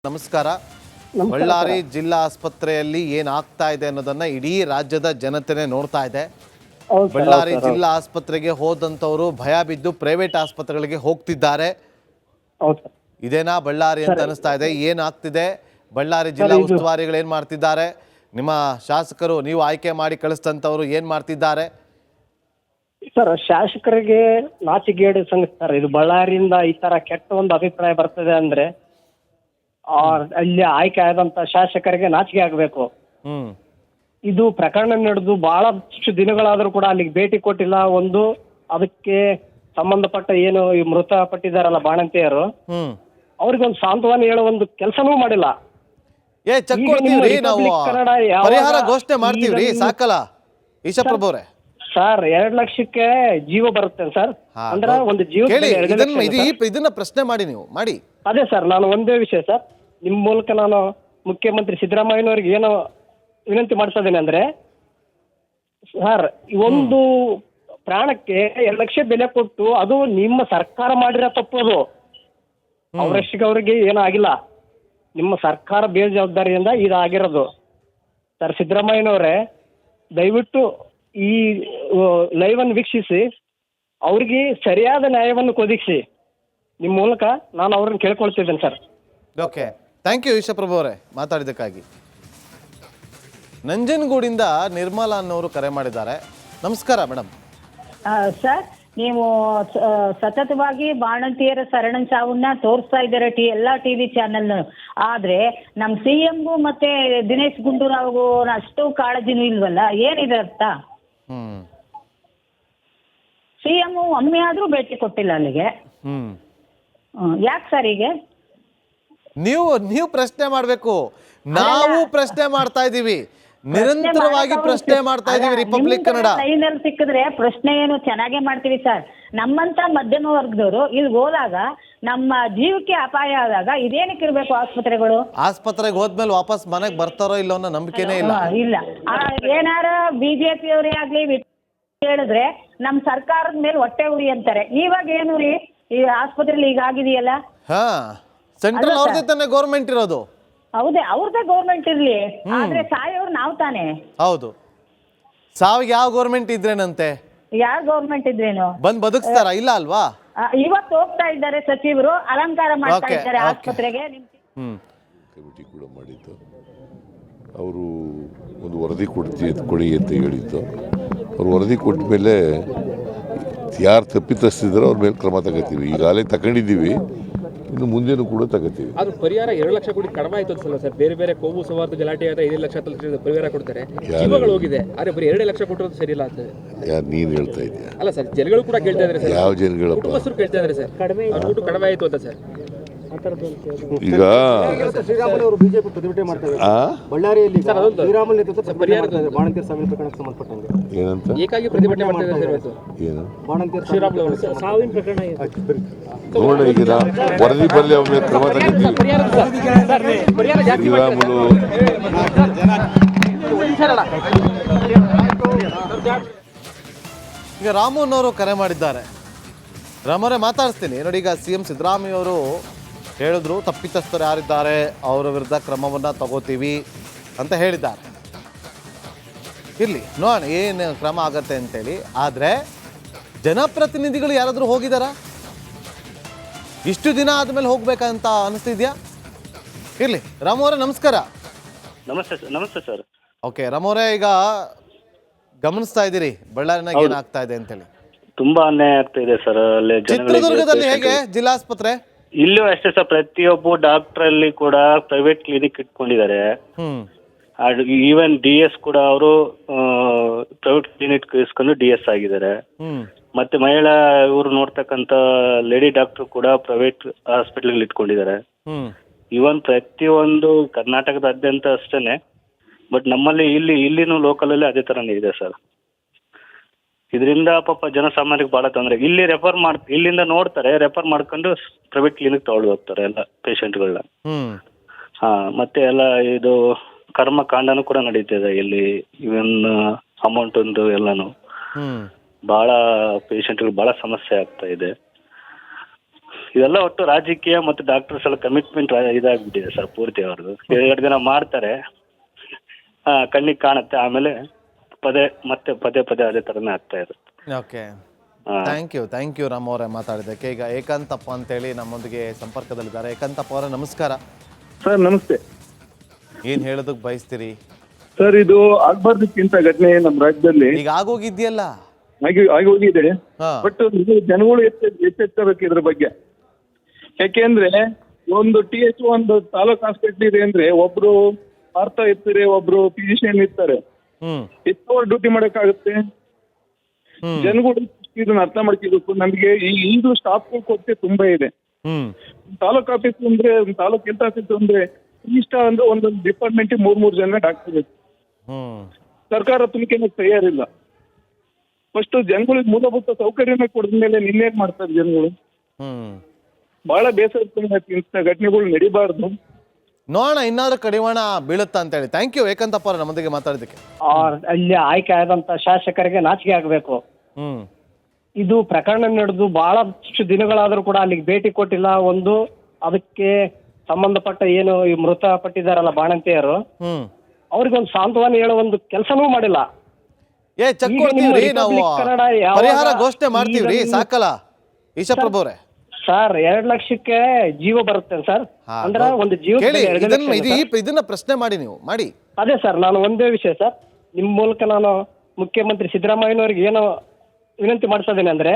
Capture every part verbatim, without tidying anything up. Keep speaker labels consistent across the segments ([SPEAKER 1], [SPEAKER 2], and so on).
[SPEAKER 1] ನಮಸ್ಕಾರ. ಬಳ್ಳಾರಿ ಜಿಲ್ಲಾ ಆಸ್ಪತ್ರೆಯಲ್ಲಿ ಏನಾಗ್ತಾ ಇದೆ ಅನ್ನೋದನ್ನ ಇಡೀ ರಾಜ್ಯದ ಜನತೆನೇ ನೋಡ್ತಾ ಇದೆ. ಬಳ್ಳಾರಿ ಜಿಲ್ಲಾ ಆಸ್ಪತ್ರೆಗೆ ಹೋದಂತವರು ಭಯ ಬಿದ್ದು ಪ್ರೈವೇಟ್ ಆಸ್ಪತ್ರೆಗಳಿಗೆ ಹೋಗ್ತಿದ್ದಾರೆ. ಇದೇನಾ ಬಳ್ಳಾರಿ ಅಂತ ಅನಿಸ್ತಾ ಇದೆ? ಏನಾಗ್ತಿದೆ? ಬಳ್ಳಾರಿ ಜಿಲ್ಲಾ ಉಸ್ತುವಾರಿಗಳು ಏನ್ ಮಾಡ್ತಿದ್ದಾರೆ? ನಿಮ್ಮ ಶಾಸಕರು ನೀವು ಆಯ್ಕೆ ಮಾಡಿ ಕಳಿಸ್ತಂತವರು ಏನ್ ಮಾಡ್ತಿದ್ದಾರೆ?
[SPEAKER 2] ಸರ್, ಶಾಸಕರಿಗೆ ನಾಚಿಗೇಡು ಸಂಗತಿ. ಇದು ಬಳ್ಳಾರಿಯಿಂದ ಈ ತರ ಕೆಟ್ಟ ಒಂದು ಅಭಿಪ್ರಾಯ ಬರ್ತದೆ ಅಂದ್ರೆ ಅಲ್ಲಿ ಆಯ್ಕೆ ಆದಂತ ಶಾಸಕರಿಗೆ ನಾಚಿಕೆ ಆಗ್ಬೇಕು.
[SPEAKER 1] ಹ್ಮ್
[SPEAKER 2] ಇದು ಪ್ರಕರಣ ನಡೆದು ಬಹಳಷ್ಟು ದಿನಗಳಾದ್ರೂ ಕೂಡ ಅಲ್ಲಿಗೆ ಭೇಟಿ ಕೊಟ್ಟಿಲ್ಲ. ಒಂದು ಅದಕ್ಕೆ ಸಂಬಂಧಪಟ್ಟ ಏನು ಈ ಮೃತಪಟ್ಟಿದ್ದಾರಲ್ಲ ಬಾಣಂತಿಯರು,
[SPEAKER 1] ಹ್ಮ್
[SPEAKER 2] ಅವ್ರಿಗೊಂದು ಸಾಂತ್ವನ ಹೇಳೋ ಒಂದು ಕೆಲಸನೂ ಮಾಡಿಲ್ಲ.
[SPEAKER 1] ಏ ಚೆಕ್ ಕೊಡ್ತೀವ್ರಿ, ನಾವು ಪರಿಹಾರ ಘೋಷಣೆ ಮಾಡ್ತೀವ್ರಿ, ಸಾಕಲ್ಲ ಈಶಪ್ರಭು ಅವರೇ.
[SPEAKER 2] ಸರ್, ಎರಡ್ ಲಕ್ಷಕ್ಕೆ ಜೀವ ಬರುತ್ತೆ ಸರ್. ಅಂದ್ರೆ ಒಂದು ಜೀವ
[SPEAKER 1] ಇದನ್ನ ಪ್ರಶ್ನೆ ಮಾಡಿ ನೀವು ಮಾಡಿ.
[SPEAKER 2] ಅದೇ ಸರ್, ನಾನು ಒಂದೇ ವಿಷಯ ಸರ್, ನಿಮ್ ಮೂಲಕ ನಾನು ಮುಖ್ಯಮಂತ್ರಿ ಸಿದ್ದರಾಮಯ್ಯನವ್ರಿಗೆ ಏನು ವಿನಂತಿ ಮಾಡ್ತಾ ಇದ್ದೇನೆ ಅಂದ್ರೆ, ಸರ್ ಒಂದು ಪ್ರಾಣಕ್ಕೆ ಎರಡು ಲಕ್ಷ ಬೆಲೆ ಕೊಟ್ಟು ಅದು ನಿಮ್ಮ ಸರ್ಕಾರ ಮಾಡಿರೋ ತಪ್ಪು. ಅದು ಅವರಷ್ಟಿಗೆ ಅವ್ರಿಗೆ ಏನೂ ಆಗಿಲ್ಲ, ನಿಮ್ಮ ಸರ್ಕಾರ ಬೇಜವಾಬ್ದಾರಿಯಿಂದ ಇದಾಗಿರೋದು. ಸರ್ ಸಿದ್ದರಾಮಯ್ಯನವರೇ, ದಯವಿಟ್ಟು ಈ ಲೈವ್ ಅನ್ನು ವೀಕ್ಷಿಸಿ ಅವ್ರಿಗೆ ಸರಿಯಾದ ನ್ಯಾಯವನ್ನು ಒದಗಿಸಿ. ನಿಮ್ಮ ಮೂಲಕ ನಾನು ಅವ್ರನ್ನ ಕೇಳ್ಕೊಳ್ತಿದ್ದೇನೆ sir.
[SPEAKER 1] Okay, thank you Ishaprabhu ಅವರೇ ಮಾತಾಡಿದ್ದಕ್ಕಾಗಿ. ನಂಜನಗೂಡಿಂದ ನಿರ್ಮಲಾ ಅನ್ನೋರು ಕರೆ ಮಾಡಿದ್ದಾರೆ. ನಮಸ್ಕಾರ ಮೇಡಮ್.
[SPEAKER 3] ಸರ್, ನೀವು ಸತತವಾಗಿ ಬಾಣಂತಿಯರ ಸರಣ ಸಾವನ್ನ ತೋರಿಸ್ತಾ ಇದ್ದಾರೆ ಟಿ ಎಲ್ಲಾ ಟಿವಿ ಚಾನೆಲ್. ಆದ್ರೆ ನಮ್ ಸಿ ಎಂಗೂ ಮತ್ತೆ ದಿನೇಶ್ ಗುಂಡೂರಾವ್ಗೂ ಅಷ್ಟು ಕಾಳಜಿನೂ ಇಲ್ವಲ್ಲ, ಏನಿದೆ ಅರ್ಥ?
[SPEAKER 1] ಹ್ಮ್
[SPEAKER 3] ಸಿ ಎಂ ಒಮ್ಮೆ ಆದ್ರೂ ಭೇಟಿ ಕೊಟ್ಟಿಲ್ಲ ಅಲ್ಲಿಗೆ.
[SPEAKER 1] ಹ್ಮ್
[SPEAKER 3] ಯಾಕೆ ಸರ್? ಹೀಗೆ
[SPEAKER 1] ನೀವು ನೀವು ಪ್ರಶ್ನೆ ಮಾಡ್ಬೇಕು, ನಾವು ಪ್ರಶ್ನೆ ಮಾಡ್ತಾ ಇದೀವಿ, ನಿರಂತರವಾಗಿ ಪ್ರಶ್ನೆ ಮಾಡ್ತಾ ಇದೀವಿ. ರಿಪಬ್ಲಿಕ್ ಕನ್ನಡ
[SPEAKER 3] ಲೈನಲ್ಲಿ ಸಿಕ್ಕಿದ್ರೆ ಪ್ರಶ್ನೆ ಏನು ಚೆನ್ನಾಗೇ ಮಾಡ್ತೀವಿ ಸರ್. ನಮ್ಮಂತ ಮಧ್ಯಮ ವರ್ಗದವರು ಇಲ್ಲಿ ಹೋದಾಗ ನಮ್ಮ ಜೀವಕ್ಕೆ ಅಪಾಯ ಆದಾಗ ಇದೇನಕ್ಕೆ ಇರ್ಬೇಕು ಆಸ್ಪತ್ರೆಗಳು?
[SPEAKER 1] ಆಸ್ಪತ್ರೆಗೆ ಹೋದ್ಮೇಲೆ ವಾಪಸ್ ಮನೆಗೆ ಬರ್ತಾರೋ ಇಲ್ಲೋ ಅನ್ನೋ ನಂಬಿಕೆನೇ ಇಲ್ಲ.
[SPEAKER 3] ಇಲ್ಲ, ಏನಾರ ಬಿಜೆಪಿ ಅವರೇ ಆಗ್ಲಿ ಹೇಳಿದ್ರೆ ನಮ್ ಸರ್ಕಾರದ ಮೇಲೆ ಹೊಟ್ಟೆ ಉರಿ ಅಂತಾರೆ. ಇವಾಗ ಏನು ರೀ, ಈ ಆಸ್ಪತ್ರೆಲಿ ಈಗ ಆಗಿದೆಯಲ್ಲ.
[SPEAKER 1] ಹಾ, ಸೆಂಟ್ರಲ್ ಅವ್ರದೇ ತಾನೇ ಗೌರ್ಮೆಂಟ್ ಇರೋದು.
[SPEAKER 3] ಹೌದೇ, ಅವ್ರದೇ ಗೌರ್ಮೆಂಟ್ ಇರ್ಲಿ, ಆದ್ರೆ ಸಾಯೋರು ನಾವ್ ತಾನೆ.
[SPEAKER 1] ಹೌದು, ಸಾವಿಗೆ ಯಾವ ಗೌರ್ಮೆಂಟ್ ಇದ್ರೇನಂತೆ?
[SPEAKER 3] ಯಾವ ಗೌರ್ಮೆಂಟ್ ಇದ್ರೇನು
[SPEAKER 1] ಬಂದ್ ಬದುಕ್ತಾರ? ಇಲ್ಲ ಅಲ್ವಾ?
[SPEAKER 3] ಇವತ್ತು ಹೋಗ್ತಾ ಇದ್ದಾರೆ ಸಚಿವರು, ಅಲಂಕಾರ ಮಾಡ್ತಾ ಇದ್ದಾರೆ ಆಸ್ಪತ್ರೆಗೆ.
[SPEAKER 1] ಹ್ಮ್
[SPEAKER 4] ಕಮಿಟಿ ಕೂಡ ಮಾಡಿದ್ದು, ಅವರು ಒಂದು ವರದಿ ಕೊಡ್ತಿ ಕೊಡಿ ಅಂತ ಹೇಳಿದ್ದು. ಅವ್ರು ವರದಿ ಕೊಟ್ಟ ಮೇಲೆ ಯಾರು ತಪ್ಪಿತಸ್ಥಿದ್ರು ಅವ್ರ ಮೇಲೆ ಕ್ರಮ ತಗೋತೀವಿ. ಈಗಾಗಲೇ ತಗೊಂಡಿದ್ದೀವಿ, ಇನ್ನು ಮುಂದೇನು ಕೂಡ ತಗೋತೀವಿ.
[SPEAKER 5] ಅದು ಪರಿಹಾರ ಎರಡು ಲಕ್ಷ ಕೋಟಿ ಕಡಿಮೆ ಆಯ್ತು ಸರ್. ಬೇರೆ ಬೇರೆ ಕೋಮು ಸವಾರ್ಥ ಗಲಾಟೆ ಆದ್ರೆ ಐದು ಲಕ್ಷ ಪರಿಹಾರ ಕೊಡ್ತಾರೆ, ಜೀವಗಳು ಹೋಗಿದೆ. ಆದ್ರೆ ಬರೀ ಎರಡು ಲಕ್ಷ ಕೊಟ್ಟರು ಸರಿ ಇಲ್ಲ ಅಂತ
[SPEAKER 4] ಯಾರು ನೀನು ಹೇಳ್ತಾ ಇದೆಯಾ?
[SPEAKER 5] ಅಲ್ಲ ಸರ್, ಜನಗಳು ಕೂಡ ಕೇಳ್ತಾ ಇದ್ದಾರೆ ಸರ್.
[SPEAKER 4] ಯಾವ ಜನಗಳಪ್ಪ?
[SPEAKER 5] ಕುಟುಂಬಸ್ಥರು ಕೇಳ್ತಾ ಇದ್ದಾರೆ ಸರ್, ಅವ್ರ ಊಟ ಕಡಿಮೆ ಆಯ್ತು ಅಂತ ಸರ್.
[SPEAKER 4] ಈಗ
[SPEAKER 6] ಶ್ರೀರಾಮುಲು ಬಿಜೆಪಿ ಪ್ರತಿಭಟನೆ ಮಾಡ್ತಾರೆ ಬಳ್ಳಾರಿಯಲ್ಲಿ. ಶ್ರೀರಾಮುಲು ನೇತೃತ್ವ ಬಾಣಂತಿಯರ ಸಾವಿನ ಪ್ರಕರಣಕ್ಕೆ ಸಂಬಂಧಪಟ್ಟಂಗೆ
[SPEAKER 4] ಏನಂತ
[SPEAKER 5] ಏಕಾಗಿ ಪ್ರತಿಭಟನೆ ಮಾಡ್ತಾ ಇದ್ದಾರೆ ಸರ್.
[SPEAKER 4] ಏನು
[SPEAKER 6] ಬಾಣಂತಿಯರ
[SPEAKER 5] ಶ್ರೀರಾಮುಲು ಅವರು ಸಾವಿನ ಪ್ರಕರಣ
[SPEAKER 4] ನೋಡ, ಈಗ ವರದಿ ಬರಲಿ, ಅವ್ರ ಮೇಲೆ ಕ್ರಮ ತಗೋತೀವಿ. ಶ್ರೀರಾಮುಲು
[SPEAKER 1] ಈಗ ರಾಮುನವರು ಕರೆ ಮಾಡಿದ್ದಾರೆ. ರಾಮರೇ ಮಾತಾಡಿಸ್ತೀನಿ ನೋಡಿ. ಈಗ ಸಿ ಎಂ ಸಿದ್ದರಾಮಯ್ಯ ಅವರು ಹೇಳಿದ್ರು, ತಪ್ಪಿತಸ್ಥರು ಯಾರಿದ್ದಾರೆ ಅವರ ವಿರುದ್ಧ ಕ್ರಮವನ್ನ ತಗೋತೀವಿ ಅಂತ ಹೇಳಿದ್ದಾರೆ. ಇರ್ಲಿ ನೋಡೋಣ ಏನು ಕ್ರಮ ಆಗತ್ತೆ ಅಂತೇಳಿ. ಆದರೆ ಜನಪ್ರತಿನಿಧಿಗಳು ಯಾರಾದರೂ ಹೋಗಿದಾರ? ಇಷ್ಟು ದಿನ ಆದಮೇಲೆ ಹೋಗ್ಬೇಕಂತ ಅನಿಸ್ತಿದ್ಯಾ? ಇರ್ಲಿ ರಾಮು ಅವರೇ ನಮಸ್ಕಾರ.
[SPEAKER 2] ನಮಸ್ತೆ ಸರ್. ನಮಸ್ತೆ ಸರ್.
[SPEAKER 1] ಓಕೆ ರಾಮು ಅವರೇ, ಈಗ ಗಮನಿಸ್ತಾ ಇದ್ದೀರಿ ಬಳ್ಳಾರಿನಾಗ ಏನಾಗ್ತಾ ಇದೆ ಅಂತೇಳಿ.
[SPEAKER 2] ತುಂಬಾ ಅನ್ಯಾಯ ಆಗ್ತಾ ಇದೆ ಸರ್. ಅಲ್ಲಿ
[SPEAKER 1] ಚಿತ್ರದುರ್ಗದಲ್ಲಿ ಹೇಗೆ ಜಿಲ್ಲಾಸ್ಪತ್ರೆ?
[SPEAKER 2] ಇಲ್ಲೂ ಅಷ್ಟೇ ಸರ್, ಪ್ರತಿಯೊಬ್ಬ ಡಾಕ್ಟರ್ ಅಲ್ಲಿ ಕೂಡ ಪ್ರೈವೇಟ್ ಕ್ಲಿನಿಕ್ ಇಟ್ಕೊಂಡಿದ್ದಾರೆ.
[SPEAKER 1] ಹ್ಮ್
[SPEAKER 2] ಈವನ್ ಡಿ ಎಸ್ ಕೂಡ ಅವರು ಪ್ರೈವೇಟ್ ಕ್ಲಿನಿಕ್ ಇಸ್ಕೊಂಡು ಡಿ ಎಸ್ ಆಗಿದ್ದಾರೆ.
[SPEAKER 1] ಹ್ಮ್
[SPEAKER 2] ಮತ್ತೆ ಮಹಿಳಾ ಇವರು ನೋಡ್ತಕ್ಕಂತ ಲೇಡಿ ಡಾಕ್ಟರ್ ಕೂಡ ಪ್ರೈವೇಟ್ ಹಾಸ್ಪಿಟಲ್ ಇಟ್ಕೊಂಡಿದ್ದಾರೆ.
[SPEAKER 1] ಹ್ಮ್
[SPEAKER 2] ಇವನ್ ಪ್ರತಿಯೊಂದು ಕರ್ನಾಟಕದಾದ್ಯಂತ ಅಷ್ಟೇನೆ, ಬಟ್ ನಮ್ಮಲ್ಲಿ ಇಲ್ಲಿ ಇಲ್ಲಿನೂ ಲೋಕಲ್ ಅಲ್ಲಿ ಅದೇ ತರನೇ ಇದೆ ಸರ್. ಇದರಿಂದ ಪಾಪ ಜನಸಾಮಾನ್ಯರಿಗೆ ಬಹಳ ತೊಂದರೆ. ಇಲ್ಲಿ ರೆಫರ್ ಮಾಡ್ ಇಲ್ಲಿಂದ ನೋಡ್ತಾರೆ, ರೆಫರ್ ಮಾಡ್ಕೊಂಡು ಪ್ರೈವೇಟ್ ಕ್ಲಿನಿಕ್ ತಗೊಂಡು ಹೋಗ್ತಾರೆ ಎಲ್ಲ ಪೇಷಂಟ್ಗಳನ್ನ.
[SPEAKER 1] ಹ್ಮ್
[SPEAKER 2] ಹಾ, ಮತ್ತೆ ಎಲ್ಲ ಇದು ಕರ್ಮಕಾಂಡನೂ ಕೂಡ ನಡೀತಿದೆ ಇಲ್ಲಿ. ಇವನ್ ಅಮೌಂಟ್ ಒಂದು ಎಲ್ಲಾನು
[SPEAKER 1] ಹ್ಮ್
[SPEAKER 2] ಬಹಳ ಪೇಷಂಟ್ಗಳು ಬಹಳ ಸಮಸ್ಯೆ ಆಗ್ತಾ ಇದೆ.
[SPEAKER 7] ಇದೆಲ್ಲ ಒಟ್ಟು ರಾಜಕೀಯ ಮತ್ತು ಡಾಕ್ಟರ್ಸ್ ಎಲ್ಲ ಕಮಿಟ್ಮೆಂಟ್ ಇದಾಗ್ಬಿಟ್ಟಿದೆ ಸರ್ ಪೂರ್ತಿ ಅವ್ರದ್ದು. ಎರಡು ದಿನ ಮಾಡ್ತಾರೆ, ಆ, ಕಣ್ಣಿಗೆ ಕಾಣುತ್ತೆ, ಆಮೇಲೆ ಪದೇ ಮತ್ತೆ ಪದೇ ಪದೇ ಅದೇ ಥರನೇ ಆಗ್ತಾ ಇರುತ್ತೆ.
[SPEAKER 1] Okay, thank you thank you Ram ಅವರೇ ಮಾತಾಡಿದ್ದಕ್ಕೆ. ಈಗ ಏಕಾಂತಪ್ಪ ಅಂತೇಳಿ ನಮ್ಮೊಂದಿಗೆ ಸಂಪರ್ಕದಲ್ಲಿದ್ದಾರೆ. ಏಕಾಂತಪ್ಪ ಅವರೇ ನಮಸ್ಕಾರ.
[SPEAKER 8] ಸರ್ ನಮಸ್ತೆ.
[SPEAKER 1] ಏನು ಹೇಳೋದಕ್ಕೆ ಬಯಸ್ತೀರಿ
[SPEAKER 8] ಸರ್, ಇದು ಆಗ್ಬಾರ್ದಕ್ಕಿಂತ ಘಟನೆ ನಮ್ಮ ರಾಜ್ಯದಲ್ಲಿ
[SPEAKER 1] ಈಗ ಆಗೋಗಿದ್ಯಲ್ಲ?
[SPEAKER 8] ಆಗಿ ಆಗಿ ಹೋಗಿದೆ.
[SPEAKER 1] ಹಾ.
[SPEAKER 8] ಬಟ್ ಜನಗಳು ಎಚ್ಚ ಎಚ್ಚೆತ್ತಬೇಕು ಇದ್ರ ಬಗ್ಗೆ. ಯಾಕೆಂದ್ರೆ ಒಂದು ಟಿ ಎಚ್ ಒಂದು ತಾಲೂಕ್ ಹಾಸ್ಪಿಟ್ಲ್ ಇದೆ ಅಂದ್ರೆ ಒಬ್ರು ಮಾಡ್ತಾ ಇರ್ತಾರೆ, ಒಬ್ರು ಫಿಸಿಷಿಯನ್ ಇರ್ತಾರೆ.
[SPEAKER 1] ಹ್ಮ್
[SPEAKER 8] ಎಷ್ಟು ಅವರ್ ಡ್ಯೂಟಿ ಮಾಡಕ್ಕಾಗುತ್ತೆ? ಜನಗಳು ಇದನ್ನ ಅರ್ಥ ಮಾಡ್ಕೋಬೇಕು. ನಮ್ಗೆ ಈ ಈಗಲೂ ಸ್ಟಾಫ್ ಕೊರತೆ ತುಂಬಾ ಇದೆ.
[SPEAKER 1] ಹ್ಮ್
[SPEAKER 8] ತಾಲೂಕ್ ಆಫೀಸ್ ಅಂದ್ರೆ ತಾಲೂಕ್ ಹೆಲ್ತ್ ಆಫೀಸ್ ಅಂದ್ರೆ ಇಷ್ಟ ಅಂದ್ರೆ ಒಂದೊಂದು ಡಿಪಾರ್ಟ್ಮೆಂಟ್ ಮೂರ್ ಮೂರ್ ಜನ ಡಾಕ್ಟರ್ ಬೇಕು.
[SPEAKER 1] ಹ್ಮ್
[SPEAKER 8] ಸರ್ಕಾರ ತುಮಕಿನ ತಯಾರಿಲ್ಲ. ಫಸ್ಟ್ ಜನಗಳಿಗೆ ಮೂಲಭೂತ ಸೌಕರ್ಯನ ಕೊಡಿದ ಮೇಲೆ ನಿನ್ನೇನ್ ಮಾಡ್ತಾರೆ ಜನಗಳು?
[SPEAKER 1] ಹ್ಮ್
[SPEAKER 8] ಬಹಳ ಬೇಸರ ಇಂಥ ಘಟನೆಗಳು ನಡಿಬಾರ್ದು.
[SPEAKER 1] ನೋಡೋಣ ಇನ್ನಾದ್ರೂ ಕಡಿವಾಣ ಬೀಳುತ್ತಾ ಅಂತೇಳಿ. ಥ್ಯಾಂಕ್ ಯು ಏಕಾಂತಪ್ಪ ಅವರ ನಮ್ಮೊಂದಿಗೆ ಮಾತಾಡಿದ್ದಕ್ಕೆ.
[SPEAKER 2] ಅಲ್ಲಿ ಆಯ್ಕೆ ಆದಂತ ಶಾಸಕರಿಗೆ ನಾಚಿಕೆ ಆಗಬೇಕು.
[SPEAKER 1] ಹ್ಮ್
[SPEAKER 2] ಇದು ಪ್ರಕರಣ ನಡೆದು ಬಹಳಷ್ಟು ದಿನಗಳಾದರೂ ಕೂಡ ಅಲ್ಲಿಗೆ ಭೇಟಿ ಕೊಟ್ಟಿಲ್ಲ. ಒಂದು ಅದಕ್ಕೆ ಸಂಬಂಧಪಟ್ಟ ಏನು ಈ ಮೃತಪಟ್ಟಿದ್ದಾರಲ್ಲ ಬಾಣಂತಿಯರು,
[SPEAKER 1] ಹ್ಮ್
[SPEAKER 2] ಅವ್ರಿಗೆ ಒಂದು ಸಾಂತ್ವನ ಹೇಳೋ ಒಂದು ಕೆಲಸನೂ ಮಾಡಿಲ್ಲ.
[SPEAKER 1] ಏ ಚೆಕ್
[SPEAKER 2] ಈಗ
[SPEAKER 1] ಕೊಡ್ತೀವ್ರಿ
[SPEAKER 2] ನಿಮ್ಮ
[SPEAKER 1] ನಾವು,
[SPEAKER 2] ರಿಪಬ್ಲಿಕ್ ಕನ್ನಡ ಯಾವಾಗ
[SPEAKER 1] ಪರಿಹಾರ ಘೋಷಣೆ ಮಾಡ್ತೀವ್ರಿ.
[SPEAKER 2] ಈಗ ನಿಮ್ಮ-
[SPEAKER 1] ಸಾಕಲ್ಲ ಈಶಪ್ರಭು ಅವರೇ?
[SPEAKER 2] ಸರ್ ಎರಡ್ ಲಕ್ಷಕ್ಕೆ ಜೀವ ಬರುತ್ತೆ ಸರ್. ಅಂದ್ರೆ ಒಂದು ಜೀವ
[SPEAKER 1] ಕೇಳಿ, ಇದನ್ನ ಇದು ಈ- ಇದನ್ನ ಪ್ರಶ್ನೆ ಮಾಡಿ ನೀವು ಮಾಡಿ.
[SPEAKER 2] ಅದೇ ಸರ್, ನಾನು ಒಂದೇ ವಿಷಯ ಸರ್, ನಿಮ್ಮ ಮೂಲಕ ನಾನು ಮುಖ್ಯಮಂತ್ರಿ ಸಿದ್ದರಾಮಯ್ಯನವ್ರಿಗೆ ಏನು ವಿನಂತಿ ಮಾಡಿಸೋದೇನೆ ಅಂದ್ರೆ,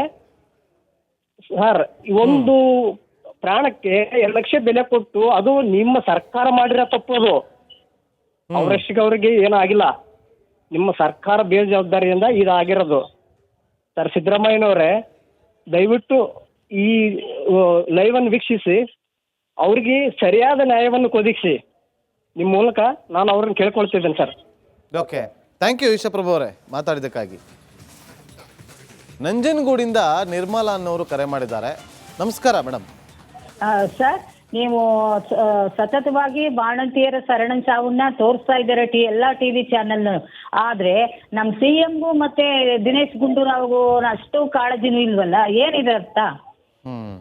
[SPEAKER 2] ಸರ್ ಒಂದು ಪ್ರಾಣಕ್ಕೆ ಎರಡು ಲಕ್ಷ ಬೆಲೆ ಕೊಟ್ಟು ಅದು ನಿಮ್ಮ ಸರ್ಕಾರ ಮಾಡಿರೋ ತಪ್ಪದು. ಅವರಷ್ಟಿಗೆ ಅವ್ರಿಗೆ ಏನೂ ಆಗಿಲ್ಲ, ನಿಮ್ಮ ಸರ್ಕಾರ ಬೇಜವಾಬ್ದಾರಿಯಿಂದ ಇದಾಗಿರೋದು. ಸರ್ ಸಿದ್ದರಾಮಯ್ಯನವರೇ, ದಯವಿಟ್ಟು ಈ ಲೈವ್ ಅನ್ನು ವೀಕ್ಷಿಸಿ ಅವ್ರಿಗೆ ಸರಿಯಾದ ನ್ಯಾಯವನ್ನು ಒದಗಿಸಿ. ನಿಮ್ಮ ಮೂಲಕ ನಾನು ಅವ್ರನ್ನ ಕೇಳ್ಕೊಳ್ತಿದ್ದೇನೆ sir.
[SPEAKER 1] Okay, thank you Ishaprabhu ಅವರೇ ಮಾತಾಡಿದ್ದಕ್ಕಾಗಿ. ನಂಜನಗೂಡಿಂದ ನಿರ್ಮಲಾ ಅನ್ನೋರು ಕರೆ ಮಾಡಿದ್ದಾರೆ. ನಮಸ್ಕಾರ ಮೇಡಮ್.
[SPEAKER 3] ಸರ್, ನೀವು ಸ- ಸತತವಾಗಿ ಬಾಣಂತಿಯರ ಸರಣ ಸಾವನ್ನ ತೋರಿಸ್ತಾ ಇದ್ದಾರೆ ಟಿ ಎಲ್ಲಾ ಟಿವಿ ಚಾನೆಲ್. ಆದ್ರೆ ನಮ್ ಸಿ ಎಂಗೂ ಮತ್ತೆ ದಿನೇಶ್ ಗುಂಡೂರಾವ್ಗೂ ಅಷ್ಟು ಕಾಳಜಿನೂ ಇಲ್ವಲ್ಲ, ಏನಿದೆ ಅರ್ಥ?
[SPEAKER 1] ಹ್ಮ್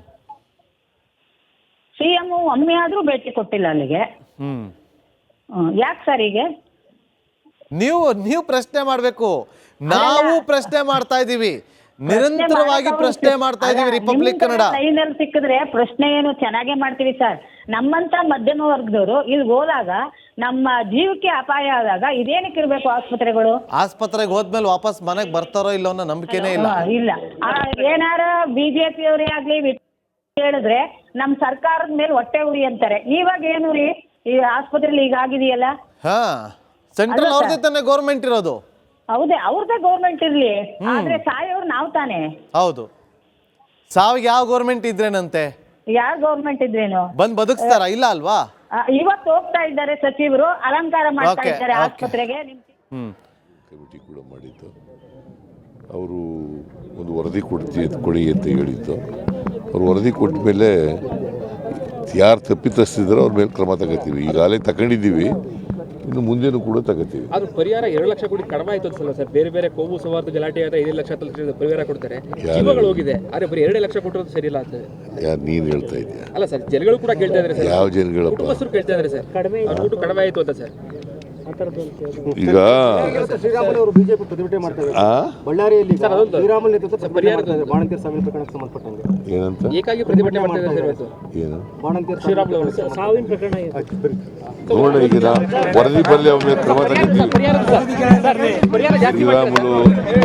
[SPEAKER 3] ಸಿ ಎಂ ಒಮ್ಮೆ ಆದ್ರೂ ಭೇಟಿ ಕೊಟ್ಟಿಲ್ಲ ಅಲ್ಲಿಗೆ.
[SPEAKER 1] ಹ್ಮ್
[SPEAKER 3] ಯಾಕೆ ಸರ್ ಹೀಗೆ?
[SPEAKER 1] ನೀವು ನೀವು ಪ್ರಶ್ನೆ ಮಾಡ್ಬೇಕು, ನಾವು ಪ್ರಶ್ನೆ ಮಾಡ್ತಾ ಇದೀವಿ, ನಿರಂತರವಾಗಿ ಪ್ರಶ್ನೆ ಮಾಡ್ತಾ ಇದೀವಿ. ರಿಪಬ್ಲಿಕ್ ಕನ್ನಡ
[SPEAKER 3] ಲೈನಲ್ಲಿ ಸಿಕ್ಕಿದ್ರೆ ಪ್ರಶ್ನೆ ಏನು ಚೆನ್ನಾಗೇ ಮಾಡ್ತೀವಿ ಸರ್. ನಮ್ಮಂತ ಮಧ್ಯಮ ವರ್ಗದವರು ಇಲ್ಲಿ ಹೋದಾಗ ನಮ್ಮ ಜೀವಕ್ಕೆ ಅಪಾಯ ಆದಾಗ ಇದೇನಕ್ಕೆ ಇರ್ಬೇಕು ಆಸ್ಪತ್ರೆಗಳು?
[SPEAKER 1] ಆಸ್ಪತ್ರೆಗೆ ಹೋದ್ಮೇಲೆ ವಾಪಸ್ ಮನೆಗೆ ಬರ್ತಾರೋ ಇಲ್ಲೋ ಅನ್ನೋ ನಂಬಿಕೆನೇ ಇಲ್ಲ.
[SPEAKER 3] ಇಲ್ಲ, ಆ, ಏನಾರ ಬಿಜೆಪಿ ಅವರೇ ಆಗ್ಲಿ ವಿ- ಹೇಳಿದ್ರೆ ನಮ್ ಸರ್ಕಾರದ ಮೇಲೆ ಹೊಟ್ಟೆ ಉರಿ ಅಂತಾರೆ. ಇವಾಗ ಏನು ರೀ, ಈ ಆಸ್ಪತ್ರೆಲಿ ಈಗ ಆಗಿದೆಯಲ್ಲ?
[SPEAKER 1] ಹಾ, ಸೆಂಟ್ರಲ್ ಅವ್ರದೇ ತಾನೇ ಗೌರ್ಮೆಂಟ್ ಇರೋದು.
[SPEAKER 3] ಹೌದೇ, ಅವ್ರದ್ದೇ ಗೌರ್ಮೆಂಟ್ ಇರ್ಲಿ, ಆದ್ರೆ ಸಾಯೋರು ನಾವ್ ತಾನೆ.
[SPEAKER 1] ಹೌದು, ಸಾವಿಗೆ ಯಾವ ಗೌರ್ಮೆಂಟ್ ಇದ್ರೇನಂತೆ?
[SPEAKER 3] ಯಾರ ಗೌರ್ಮೆಂಟ್ ಇದ್ರೇನು
[SPEAKER 1] ಬಂದ್ ಬದುಕ್ತಾರ? ಇಲ್ಲ ಅಲ್ವಾ?
[SPEAKER 3] ಆ, ಇವತ್ತು ಹೋಗ್ತಾ ಇದ್ದಾರೆ ಸಚಿವರು, ಅಲಂಕಾರ ಮಾಡ್ತಾ
[SPEAKER 1] Okay,
[SPEAKER 3] ಇದ್ದಾರೆ
[SPEAKER 1] okay.
[SPEAKER 3] ಆಸ್ಪತ್ರೆಗೆ.
[SPEAKER 1] ಹ್ಮ್
[SPEAKER 4] ಕಮಿಟಿ ಕೂಡ ಮಾಡಿದ್ದು. ಅವರು ಒಂದು ವರದಿ ಕೊಡ್ತಿ ಕೊಡಿ ಅಂತ ಹೇಳಿದ್ದು. ಅವ್ರು ವರದಿ ಕೊಟ್ಟ ಮೇಲೆ ಯಾರು ತಪ್ಪಿತಸ್ಥಿದ್ರು ಅವ್ರ ಮೇಲೆ ಕ್ರಮ ತಗೋತೀವಿ. ಈಗಾಗಲೇ ತಗೊಂಡಿದ್ದೀವಿ, ಇನ್ನು ಮುಂದೆನೂ ಕೂಡ ತಗೋತೀವಿ.
[SPEAKER 5] ಆದ್ರೂ ಪರಿಹಾರ ಎರಡು ಲಕ್ಷ ಕೋಟಿ ಕಡಿಮೆ ಆಯ್ತು ಅನ್ಸಲ್ಲ ಸರ್? ಬೇರೆ ಬೇರೆ ಕೋಮು ಸೌಹಾರ್ದ ಗಲಾಟೆ ಆದ ಐದು ಲಕ್ಷ ಹತ್ತು ಲಕ್ಷ ಪರಿಹಾರ ಕೊಡ್ತಾರೆ, ಜೀವಗಳು ಹೋಗಿದೆ. ಆದ್ರೆ ಬರೀ ಎರಡು ಲಕ್ಷ ಕೊಟ್ಟರು ಸರಿ ಇಲ್ಲ ಅಂತ
[SPEAKER 4] ಯಾರು ನೀನು ಹೇಳ್ತಾ ಇದೆಯಾ?
[SPEAKER 5] ಅಲ್ಲ ಸರ್, ಜನಗಳು ಕೂಡ ಕೇಳ್ತಾ ಇದ್ದಾರೆ ಸರ್.
[SPEAKER 4] ಯಾವ ಜನಗಳಪ್ಪ?
[SPEAKER 5] ಕುಟುಂಬಸ್ಥರು ಕೇಳ್ತಾ ಇದ್ದಾರೆ ಸರ್, ಅವ್ರ ದುಡ್ಡು ಕಡಿಮೆ ಆಯ್ತು ಅಂತ ಸರ್.
[SPEAKER 4] ಈಗ
[SPEAKER 6] ಶ್ರೀರಾಮುಲು ಅವರು ಬಿಜೆಪಿ ಪ್ರತಿಭಟನೆ ಮಾಡ್ತಾರೆ
[SPEAKER 4] ಆ
[SPEAKER 6] ಬಳ್ಳಾರಿಯಲ್ಲಿ.
[SPEAKER 5] ಸರ್, ಅದೊಂದು
[SPEAKER 6] ಶ್ರೀರಾಮುಲು ನೇತೃತ್ವ ಪರಿಹಾರ ಬಾಣಂತಿಯರ ಸಾವಿನ ಪ್ರಕರಣಕ್ಕೆ ಸಂಬಂಧಪಟ್ಟಂಗೆ
[SPEAKER 4] ಏನಂತ
[SPEAKER 5] ಏಕಾಗಿ ಪ್ರತಿಭಟನೆ ಮಾಡ್ತಾ ಇದ್ದಾರೆ ಸರ್ ಇವತ್ತು
[SPEAKER 4] ಏನು
[SPEAKER 6] ಬಾಣಂತಿಯರ
[SPEAKER 5] ಶ್ರೀರಾಮುಲು ಅವರು.
[SPEAKER 6] ಸಾವಿನ ಪ್ರಕರಣ
[SPEAKER 4] ನೋಡ, ಈಗ ನಾ ವರದಿ ಬರಲಿ ಅವ್ರ ಮೇಲೆ ಕ್ರಮ ತಗೋತೀವಿ.
[SPEAKER 5] ಪರಿಹಾರ ಜಾಸ್ತಿ
[SPEAKER 4] ಶ್ರೀರಾಮುಲು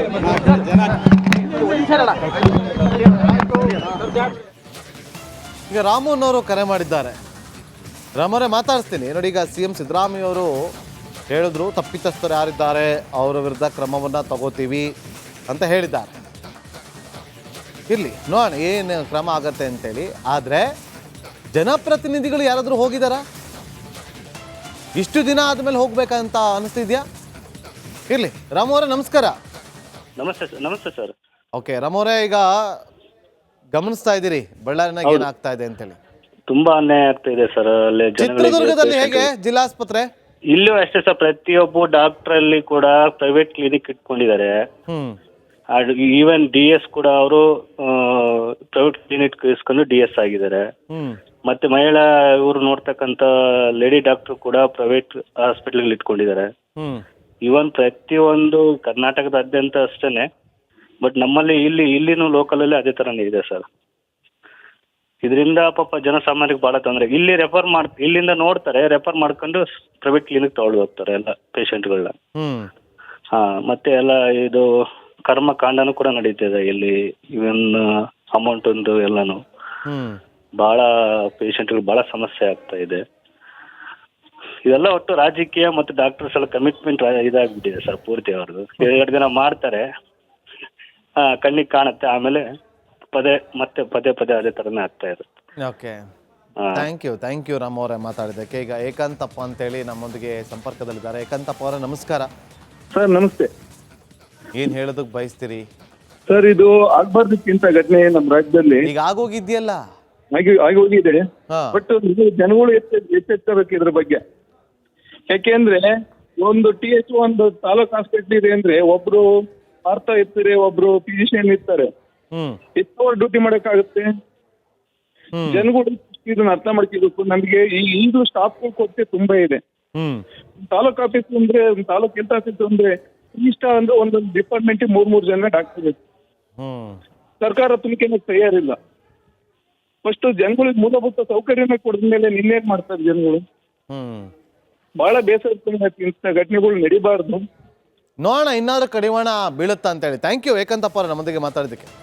[SPEAKER 1] ಈಗ ರಾಮುನವರು ಕರೆ ಮಾಡಿದ್ದಾರೆ. ರಾಮರೇ ಮಾತಾಡಿಸ್ತೀನಿ ನೋಡಿ. ಈಗ ಸಿ ಎಂ ಸಿದ್ದರಾಮಯ್ಯ ಅವರು ಹೇಳಿದ್ರು, ತಪ್ಪಿತಸ್ಥರು ಯಾರಿದ್ದಾರೆ ಅವರ ವಿರುದ್ಧ ಕ್ರಮವನ್ನು ತಗೋತೀವಿ ಅಂತ ಹೇಳಿದ್ದಾರೆ. ಇರಲಿ ನೋಡೋಣ ಏನು ಕ್ರಮ ಆಗತ್ತೆ ಅಂತೇಳಿ. ಆದರೆ ಜನಪ್ರತಿನಿಧಿಗಳು ಯಾರಾದರೂ ಹೋಗಿದ್ದಾರಾ? ಇಷ್ಟು ದಿನ ಆದಮೇಲೆ ಹೋಗ್ಬೇಕಂತ ಅನಿಸ್ತಿದ್ಯಾ? ಇರಲಿ ರಾಮು ಅವರೇ ನಮಸ್ಕಾರ.
[SPEAKER 7] ನಮಸ್ತೆ ಸರ್. ನಮಸ್ತೆ ಸರ್.
[SPEAKER 1] ಓಕೆ ರಾಮು ಅವರೇ, ಈಗ ಗಮನಿಸ್ತಾ ಇದ್ದೀರಿ ಬಳ್ಳಾರಿನಾಗ ಏನಾಗ್ತಾ ಇದೆ ಅಂತೇಳಿ.
[SPEAKER 7] ತುಂಬಾ ಅನ್ಯಾಯ ಆಗ್ತಾ ಇದೆ ಸರ್. ಅಲ್ಲಿ
[SPEAKER 1] ಚಿತ್ರದುರ್ಗದಲ್ಲಿ ಹೇಗೆ ಜಿಲ್ಲಾಸ್ಪತ್ರೆ?
[SPEAKER 7] ಇಲ್ಲೂ ಅಷ್ಟೇ ಸರ್, ಪ್ರತಿಯೊಬ್ಬ ಡಾಕ್ಟರ್ ಅಲ್ಲಿ ಕೂಡ ಪ್ರೈವೇಟ್ ಕ್ಲಿನಿಕ್ ಇಟ್ಕೊಂಡಿದ್ದಾರೆ.
[SPEAKER 1] ಹ್ಮ್
[SPEAKER 7] ಈವನ್ ಡಿ ಎಸ್ ಕೂಡ ಅವರು ಪ್ರೈವೇಟ್ ಕ್ಲಿನಿಕ್ ಇಸ್ಕೊಂಡು ಡಿ ಎಸ್ ಆಗಿದ್ದಾರೆ.
[SPEAKER 1] ಹ್ಮ್
[SPEAKER 7] ಮತ್ತೆ ಮಹಿಳಾ ಇವರು ನೋಡ್ತಕ್ಕಂಥ ಲೇಡಿ ಡಾಕ್ಟರ್ ಕೂಡ ಪ್ರೈವೇಟ್ ಹಾಸ್ಪಿಟಲ್ ಇಟ್ಕೊಂಡಿದ್ದಾರೆ.
[SPEAKER 1] ಹ್ಮ್
[SPEAKER 7] ಇವನ್ ಪ್ರತಿಯೊಂದು ಕರ್ನಾಟಕದಾದ್ಯಂತ ಅಷ್ಟೇನೆ, ಬಟ್ ನಮ್ಮಲ್ಲಿ ಇಲ್ಲಿ ಇಲ್ಲಿನೂ ಲೋಕಲಲ್ಲಿ ಅದೇ ಥರನೇ ಇದೆ ಸರ್. ಇದರಿಂದ ಪಾಪ ಜನಸಾಮಾನ್ಯರಿಗೆ ಭಾಳ ತೊಂದರೆ. ಇಲ್ಲಿ ರೆಫರ್ ಮಾಡ್ ಇಲ್ಲಿಂದ ನೋಡ್ತಾರೆ, ರೆಫರ್ ಮಾಡ್ಕೊಂಡು ಪ್ರೈವೇಟ್ ಕ್ಲಿನಿಕ್ ತಗೊಳ್ಳಿ ಹೋಗ್ತಾರೆ ಎಲ್ಲ ಪೇಷಂಟ್ಗಳನ್ನ.
[SPEAKER 1] ಹ್ಮ್
[SPEAKER 7] ಹಾಂ, ಮತ್ತೆ ಎಲ್ಲ ಇದು ಕರ್ಮಕಾಂಡನೂ ಕೂಡ ನಡೀತಿದೆ ಇಲ್ಲಿ. ಇವನ್ ಅಮೌಂಟ್ ಒಂದು ಎಲ್ಲನೂ
[SPEAKER 1] ಹ್ಮ್
[SPEAKER 7] ಭಾಳ ಪೇಷಂಟ್ಗಳು ಭಾಳ ಸಮಸ್ಯೆ ಆಗ್ತಾ ಇದೆ. ಇದೆಲ್ಲ ಒಟ್ಟು ರಾಜಕೀಯ ಮತ್ತು ಡಾಕ್ಟರ್ಸ್ ಎಲ್ಲ ಕಮಿಟ್ಮೆಂಟ್ ಇದಾಗ್ಬಿಟ್ಟಿದೆ ಸರ್ ಪೂರ್ತಿ ಅವ್ರದ್ದು. ಎರಡು ದಿನ ಮಾಡ್ತಾರೆ, ಹಾಂ ಕಣ್ಣಿಗೆ ಕಾಣುತ್ತೆ, ಆಮೇಲೆ ಪದೇ ಮತ್ತೆ ಪದೇ ಪದೇ ಅದೇ ಥರನೇ ಆಗ್ತಾ ಇರುತ್ತೆ.
[SPEAKER 1] Okay, thank you thank you Ram ಅವರೇ ಮಾತಾಡಿದ್ದಕ್ಕೆ. ಈಗ ಏಕಾಂತಪ್ಪ ಅಂತೇಳಿ ನಮ್ಮೊಂದಿಗೆ ಸಂಪರ್ಕದಲ್ಲಿದ್ದಾರೆ. ಏಕಾಂತಪ್ಪ ಅವರೇ ನಮಸ್ಕಾರ.
[SPEAKER 8] ಸರ್ ನಮಸ್ತೆ
[SPEAKER 1] ಏನು ಹೇಳೋದಕ್ಕೆ ಬಯಸ್ತೀರಿ?
[SPEAKER 8] ಸರ್, ಇದು ಆಗ್ಬಾರ್ದಕ್ಕಿಂತ ಘಟನೆ ನಮ್ಮ ರಾಜ್ಯದಲ್ಲಿ
[SPEAKER 1] ಈಗ ಆಗೋಗಿದ್ಯಲ್ಲ.
[SPEAKER 8] ಆಗಿ ಆಗಿ ಹೋಗಿದೆ.
[SPEAKER 1] ಹಾ.
[SPEAKER 8] ಬಟ್ ಜನಗಳು ಎಚ್ಚೆ ಎಚ್ಚೆತ್ತಬೇಕು ಇದ್ರ ಬಗ್ಗೆ. ಯಾಕೆಂದ್ರೆ ಒಂದು ಟಿ ಎಚ್ ಒಂದು ತಾಲೂಕ್ ಹಾಸ್ಪಿಟಲ್ ಇದೆ ಅಂದ್ರೆ ಒಬ್ರು ಪಾರ್ಥ ಇರ್ತಾರೆ, ಒಬ್ರು ಫಿಸಿಷಿಯನ್ ಇರ್ತಾರೆ.
[SPEAKER 1] ಹ್ಮ್
[SPEAKER 8] ಎಷ್ಟು ಡ್ಯೂಟಿ ಮಾಡಕ್ಕಾಗುತ್ತೆ?
[SPEAKER 1] ಹ್ಮ್
[SPEAKER 8] ಜನಗಳು ಇದನ್ನ ಅರ್ಥ ಮಾಡ್ಕೋಬೇಕು. ನಮಗೆ ಈ ಈಗಲೂ ಸ್ಟಾಫ್ ಕೊರತೆ ತುಂಬಾ ಇದೆ.
[SPEAKER 1] ಹ್ಮ್
[SPEAKER 8] ತಾಲೂಕ್ ಆಫೀಸ್ ಅಂದ್ರೆ ತಾಲೂಕ್ ಹೆಲ್ತ್ ಆಫೀಸ್ ಅಂದ್ರೆ ಇಷ್ಟ ಅಂದ್ರೆ ಒಂದೊಂದು ಡಿಪಾರ್ಟ್ಮೆಂಟ್ ಮೂರ್ ಮೂರ್ ಜನ ಡಾಕ್ಟರ್ ಬೇಕು.
[SPEAKER 1] ಹ್ಮ್
[SPEAKER 8] ಸರ್ಕಾರ ತುಂಬಿಕೆ ತಯಾರಿಲ್ಲ. ಫಸ್ಟ್ ಜನಗಳಿಗೆ ಮೂಲಭೂತ ಸೌಕರ್ಯನ ಕೊಡಿದ ಮೇಲೆ ನಿನ್ನೇನ್ ಮಾಡ್ತಾರೆ ಜನಗಳು?
[SPEAKER 1] ಹ್ಮ್
[SPEAKER 8] ಬಹಳ ಬೇಸರ ಇಂಥ ಘಟನೆಗಳು ನಡಿಬಾರ್ದು.
[SPEAKER 1] ನೋಡೋಣ ಇನ್ನಾದ್ರೂ ಕಡಿವಾಣ ಬೀಳುತ್ತಾ ಅಂತೇಳಿ. ಥ್ಯಾಂಕ್ ಯು ಏಕಾಂತಪ್ಪ ಅವರೇ ನಮ್ಮೊಂದಿಗೆ ಮಾತಾಡಿದ್ದಕ್ಕೆ.